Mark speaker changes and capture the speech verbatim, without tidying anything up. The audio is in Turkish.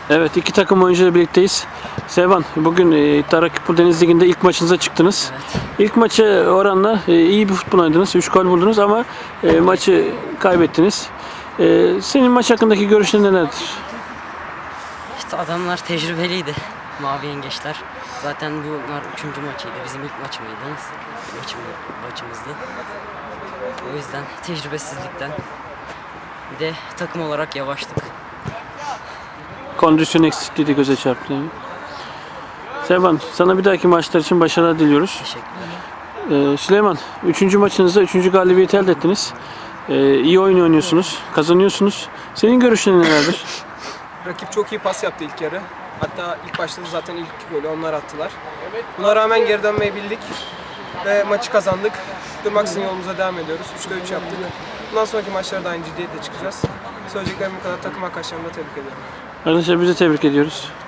Speaker 1: Evet, iki takım oyuncuyla birlikteyiz. Sevban, bugün e, Tarakipur Deniz Ligi'nde ilk maçınıza çıktınız.
Speaker 2: Evet.
Speaker 1: İlk maçı oranla e, iyi bir futbol oynadınız. üç gol buldunuz ama e, maçı kaybettiniz. E, senin maç hakkındaki görüşlerin nelerdir?
Speaker 2: İşte adamlar tecrübeliydi. Mavi Yengeçler. Zaten bunlar üçüncü maçıydı. Bizim ilk maç mıydı? Maçım, maçımızdı. O yüzden tecrübesizlikten. Bir de takım olarak yavaştık.
Speaker 1: Kondisyon eksikliği de göze çarptı. Sevban, sana bir dahaki maçlar için başarılar diliyoruz.
Speaker 2: Teşekkürler.
Speaker 1: E, Süleyman, üçüncü maçınızda üçüncü galibiyeti elde ettiniz. E, iyi oyun oynuyorsunuz, kazanıyorsunuz. Senin görüşlerin nelerdir?
Speaker 3: Rakip çok iyi pas yaptı ilk yarı. Hatta ilk başta da zaten ilk golü onlar attılar. Buna rağmen geri dönmeyi bildik ve maçı kazandık. Durmaksızın yolumuza devam ediyoruz. üçte üç yaptık. Bundan sonraki maçlarda aynı ciddiyetle çıkacağız. Söyleyeceklerim bu kadar. Takım arkadaşlarımı da tebrik ediyorum.
Speaker 1: Arkadaşlar, biz de tebrik ediyoruz.